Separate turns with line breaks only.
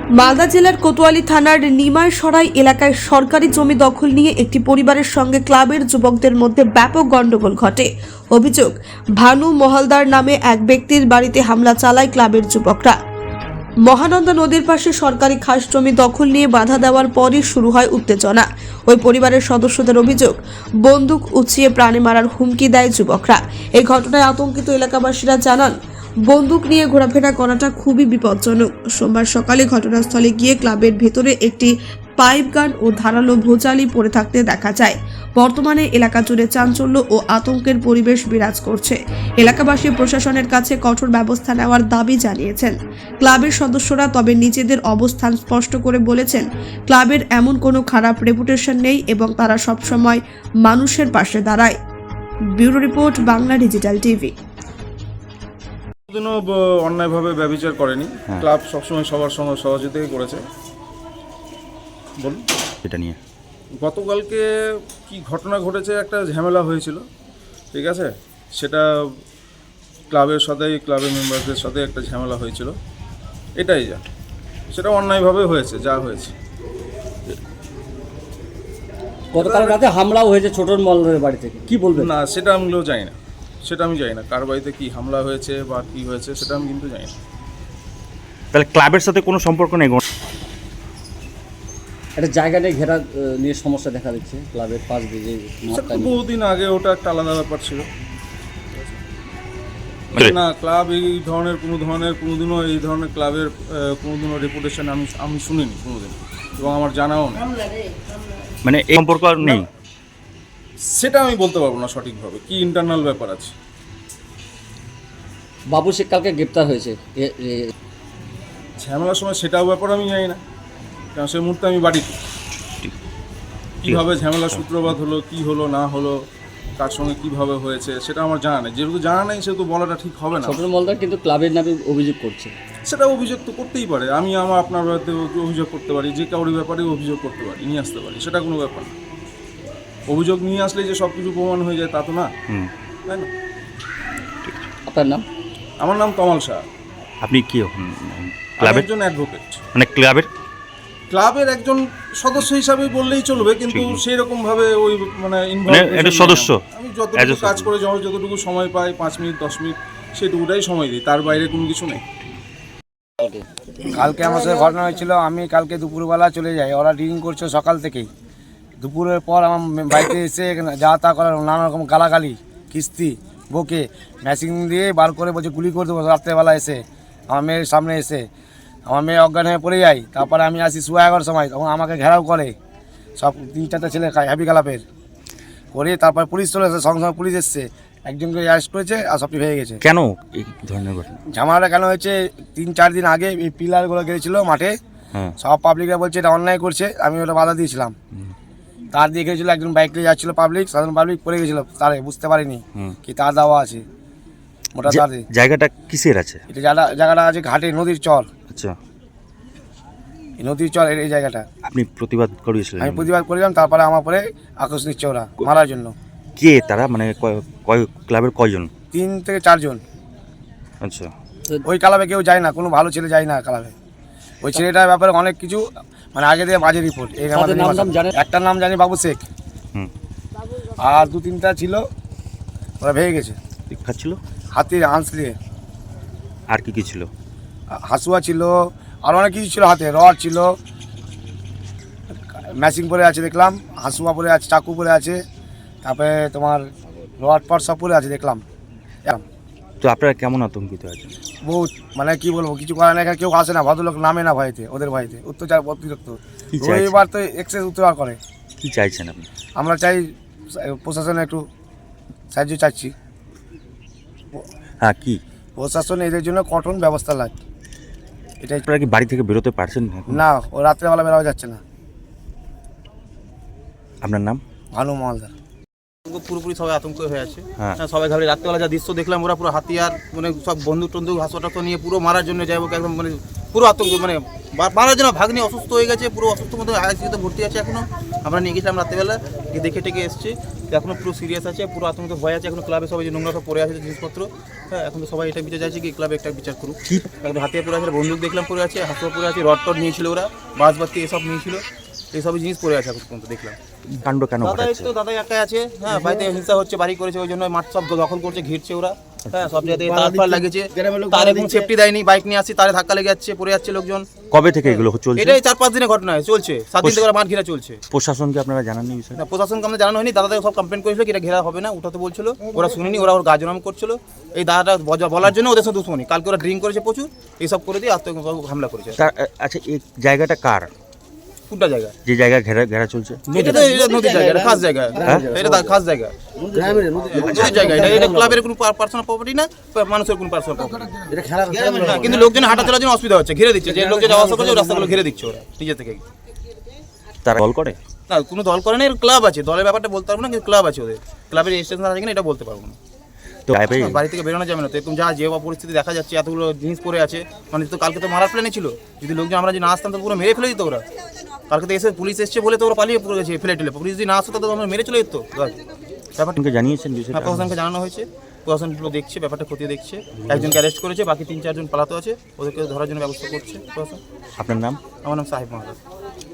মালদা জেলার কোতোয়ালি থানার নিমাইসরাই এলাকায় সরকারি জমি দখল নিয়ে একটি পরিবারের সঙ্গে ক্লাবের যুবকদের মধ্যে ব্যাপক গন্ডগোল ঘটে। অভিযোগ, ভানু মহলদার নামে এক ব্যক্তির বাড়িতে হামলা চালায় ক্লাবের যুবকরা। মহানন্দা নদীর পাশে সরকারি খাস জমি দখল নিয়ে বাধা দেওয়ার পরই শুরু হয় উত্তেজনা। ওই পরিবারের সদস্যদের অভিযোগ, বন্দুক উঁচিয়ে প্রাণে মারার হুমকি দেয় যুবকরা। এই ঘটনায় আতঙ্কিত এলাকাবাসীরা জানান, বন্দুক নিয়ে ঘোরাফেরা করাটা খুবই বিপজ্জনক। সোমবার সকালে ঘটনাস্থলে গিয়ে ক্লাবের ভেতরে একটি পাইপ গান ও ধারালো ভোজালি পড়ে থাকতে দেখা যায়। বর্তমানে এলাকা জুড়ে চাঞ্চল্য ও আতঙ্কের পরিবেশ বিরাজ করছে। এলাকাবাসী প্রশাসনের কাছে কঠোর ব্যবস্থা নেওয়ার দাবি জানিয়েছেন ক্লাবের সদস্যরা। তবে নিজেদের অবস্থান স্পষ্ট করে বলেছেন, ক্লাবের এমন কোনো খারাপ রেপুটেশন নেই এবং তারা সবসময় মানুষের পাশে দাঁড়ায়। Bureau report, Bangla digital TV.
কোনোদিনও অন্যায়ভাবে ব্যভিচার করেনি। ক্লাব সবসময় সবার সঙ্গে সহযোগিতাই করেছে। বলুন
এটা নিয়ে
গতকালকে কি ঘটনা ঘটেছে, একটা ঝামেলা হয়েছিল, ঠিক আছে। সেটা ক্লাবের মেম্বারদের সাথে একটা ঝামেলা হয়েছিল, এটাই যা। সেটা অন্যায়ভাবে হয়েছে, যা হয়েছে।
গতকাল রাতে হামলাও হয়েছে ছোটন মল্লের বাড়ি থেকে, কি বলবেন?
না, সেটা আমিও জানি না, কার বাড়িতে কি হামলা হয়েছে বা কি হয়েছে সেটা আমি কিন্তু জানি না।
তাহলে ক্লাবের সাথে কোনো সম্পর্ক নেই?
একটা জায়গা নিয়ে ঘেরা নিয়ে সমস্যা দেখা দিচ্ছে ক্লাবের পাশ দিয়ে যে মাঠটা নিয়ে।
বহুদিন আগে ওটা একটা আলাদা ব্যাপার ছিল না। ক্লাব এই ধরনের কোনোদিনও এই ধরনের ক্লাবের কোনোদিনও রেপুটেশন আমি শুনিনি কোনোদিন, এবং আমার জানাও নেই।
মানে এই সম্পর্ক আর নেই?
সেটা আমি বলতে পারবো না সঠিকভাবে, কি ইন্টারনাল ব্যাপার আছে।
বাবু শেখ কালকে গ্রেপ্তার হয়েছে
ঝামেলার সময়, সেটাও ব্যাপার আমি জানি না, কারণ সেই মুহূর্তে আমি বাড়িতে। কীভাবে ঝামেলা সূত্রপাত হলো, কি হলো না হলো, কার সঙ্গে কীভাবে হয়েছে সেটা আমার জানা নেই। যেহেতু জানা নেই সেহেতু বলাটা ঠিক হবে না।
ছোটন মল্লার কিন্তু ক্লাবের নামে অভিযোগ করছে।
সেটা অভিযোগ তো করতেই পারে, আমি আপনার ব্যাপারে অভিযোগ করতে পারি, যে কারোর ব্যাপারে অভিযোগ করতে পারি, নিয়ে আসতে পারি, সেটা কোনো ব্যাপার না। অভিযোগ নিয়ে আসলে যে সব কিছু প্রমাণ হয়ে যায় তা তো না, তাই না?
আপনার নাম?
আমার নাম কমল শাহ।
আপনি কি
ক্লাবের একজন অ্যাডভোকেট,
মানে
ক্লাবের একজন সদস্য হিসাবে বললেই চলবে, কিন্তু সেই রকম ভাবে ওই মানে
সদস্য।
আমি যতটুকু কাজ করে যতটুকু সময় পাই, 5 মিনিট 10 মিনিট সেটুকুটাই সময় দিই, তার বাইরে কোনো কিছু নেই।
কালকে আমার সাথে ঘটনা হয়েছিল। আমি কালকে দুপুরবেলা চলে যাই, ওরা ড্রিঙ্ক করছে সকাল থেকেই। দুপুরের পর আমার বাড়িতে এসে যা তা করার নানা রকম গালাগালি, কিস্তি বকে ম্যাচিং দিয়ে বার করে বলছে গুলি করে দেবো। রাত্রেবেলা এসে আমার মেয়ের সামনে এসে আমার মেয়ে অজ্ঞান হয়ে পড়ে যায়। তারপরে আমি আসি 11:30 সময়, তখন আমাকে ঘেরাও করে সব 3-4টা ছেলে হ্যাপি গালাপের করে। তারপর পুলিশ চলে এসে, সঙ্গে সঙ্গে পুলিশ এসছে, একজনকে অ্যারেস্ট করেছে আর সবটি হয়ে গেছে।
কেন এই ধরনের ঘটনা?
ঝামেলাটা কেন হয়েছে, 3-4 দিন আগে এই পিলারগুলো গেছিলো মাঠে, সব পাবলিকরা বলছে এটা অন্যায় করছে। আমি ওটা বাধা দিয়েছিলাম। তার দিয়ে গেছিলো, একজন বাইক নিয়ে যাচ্ছিল, সাধারণ পাবলিক পড়ে গেছিলো তারে, বুঝতে পারিনি কি তার দেওয়া আছে মোটা তার।
জায়গাটা কিসের আছে? এটা
জায়গাটা আছে ঘাটে, নদীর চর।
আচ্ছা,
নদীর চর এই জায়গাটা।
আপনি প্রতিবাদ করেছিলেন?
আমি প্রতিবাদ করিলাম, তারপরে আমার পরে আকর্ষ নিচ্ছে ওরা মারার জন্য।
কে তারা, মানে ক্লাবের কয়জন?
3 থেকে 4 জন।
আচ্ছা,
ওই ক্লাবে কেউ যায় না, কোনো ভালো ছেলে যায় না ক্লাবে। ওই ছেলেটার ব্যাপারে অনেক কিছু মানে আগে দিয়ে বাজে রিপোর্ট। একটার নাম জানি বাবু শেখ, আর 2-3টা ছিল, ওরা ভেঙে গেছে।
ছিল
হাতির আঁশ নিয়ে।
আর কি ছিল?
হাসুয়া ছিল, আর অনেক কিছু ছিল, হাতে রড ছিল, ম্যাচিং পরে আছে দেখলাম, হাসুয়া পরে আছে, চাকু পরে আছে, তারপরে তোমার রড পট সব পরে আছে দেখলাম।
তো আপনারা কেমন আতঙ্কিত আছেন?
বহুত, মানে কি বলবো, কিছু করার না, কেউ আসে না, ভদ্রলোক নামে না ভয়তে, ওদের ভয়তে অত্যাচার অতিরিক্ত। এবার তো এক্সেস অত্যাচার করে।
কি চাইছেন আপনি?
আমরা চাই প্রশাসনে একটু সাহায্য চাচ্ছি।
হ্যাঁ, কি
প্রশাসন এদের জন্য কঠোর ব্যবস্থা লাগে। এটাই।
আপনারা কি বাড়ি থেকে বেরোতে পারছেন
না, ও রাত্রেবেলা বেরোয়া যাচ্ছে না।
আপনার নাম?
ভানু মহলদার।
পুরোপুরি সবাই আতঙ্ক হয়ে আছে। সবাই ঘাবড়ে, রাত্রেবেলা যা দৃশ্য দেখলাম, ওরা পুরো হাতিয়ার মানে সব বন্দুক টন্দুক হাসপাতাল নিয়ে পুরো মারার জন্য যাই হোক, একদম মানে পুরো আতঙ্ক, মানে বাড়ার জন্য ভাগ্নি অসুস্থ হয়ে গেছে, পুরো অসুস্থ মতো আইসিইউতে ভর্তি আছে এখনো। আমরা নিয়ে গেছিলাম রাত্রেবেলা, গিয়ে দেখে টেকে এসেছি, এখনো পুরো সিরিয়াস আছে, পুরো আতঙ্ক ভয় আছে। এখনো ক্লাবে সবাই যে নোংরা সব পড়ে আছে জিনিসপত্র, হ্যাঁ এখন তো সবাই এটা বিচার চাইছে কি ক্লাবে একটা বিচার করুক। একদম হাতে পড়ে আছে, বন্দুক দেখলাম পড়ে আছে, হাতে পড়ে আছে, রড টড নিয়েছিল ওরা, বাসবাতি এসব নিয়েছিল, এইসব জিনিস পড়ে আছে এখন পর্যন্ত দেখলাম।
কাণ্ড কেন
দাদা
ঘটাচ্ছে?
তো দাদাই একাই আছে, হ্যাঁ বাড়িতে হিংসা হচ্ছে, বাড়ি করেছে ওই জন্য মাঠ সব দখল করছে, ঘিরছে ওরা, হ্যাঁ সব জায়গায় তার ফার লাগিয়েছে, তার এখন সেফটি দেয়নি, বাইক নিয়ে আসছি তারে ধাক্কা লেগে যাচ্ছে, পড়ে যাচ্ছে লোকজন।
কবে থেকে এগুলো চলছে?
এটাই 4-5 দিনের ঘটনা চলছে, 7 দিন থেকে ওরা মাঠ ঘেরা চলছে।
প্রশাসনকে আপনারা জানাননি বিষয়টা?
না প্রশাসনকে আমাদের জানানো হয়নি, দাদাদের সব কমপ্লেন করেছিল কি এটা ঘেরা হবে না, উঠাতে বলছিল, ওরা শুনেনি, ওরা ওর গাজনাম করছিল। এই দাদাটা বলার জন্য ওদের সাথে দুশ্মনী, কালকে ওরা ড্রিঙ্ক করেছে প্রচুর, এইসব করে দিয়ে হামলা করেছে।
আচ্ছা এই জায়গাটা কার?
কোনটা জায়গা?
যে জায়গায় ঘেরা চলছে?
এটা তো নদীর জায়গা, এটা খাস জায়গা, এটা খাস জায়গা, নদীর জায়গা, এটা ক্লাবের কোনো পার্সোনাল প্রপার্টি না, মানুষের কোনো পার্সোনাল প্রপার্টি। কিন্তু লোকজন হাঁটা চলার জন্য অসুবিধা হচ্ছে, ঘিরে দিচ্ছে, যে লোক যে যাওয়া আসা করছে রাস্তাগুলো ঘিরে দিচ্ছে ওরা নিজে থেকে।
তারা দল করে?
না কোনো দল করে না, এর ক্লাব আছে, দলের ব্যাপারটা বলতে পারবো না, কিন্তু ক্লাব আছে ওদের, ক্লাবের রেজিস্ট্রেশন আছে কিনা এটা বলতে পারবো না।
তো
বাড়ি থেকে বেরোনো যাবে না তো, এরকম যে পরিস্থিতি দেখা যাচ্ছে, এতগুলো জিনিস পড়ে আছে, মানে তো কালকে তো মারার প্ল্যানে ছিল, যদি লোকজন আমরা যে না আসতাম তো পুরো মেরে ফেলে দিত ওরা। কালকে তো এসে পুলিশ এসছে বলে তো ওরা পালিয়ে পড়ে গেছে ফেলে টেলে, পুলিশ যদি না আসতো তো আমরা মেরে চলে যেত। ব্যাপারটা
জানিয়েছেন বিষয়টা?
প্রশাসনকে জানানো হয়েছে, প্রশাসনগুলো দেখছে, ব্যাপারটা খতিয়ে দেখছে, একজনকে অ্যারেস্ট করেছে, বাকি 3-4 জন পালাতে আছে, ওদেরকে ধরার জন্য ব্যবস্থা করছে প্রশাসন।
আপনার নাম?
আমার নাম সাহেব মহারাজ।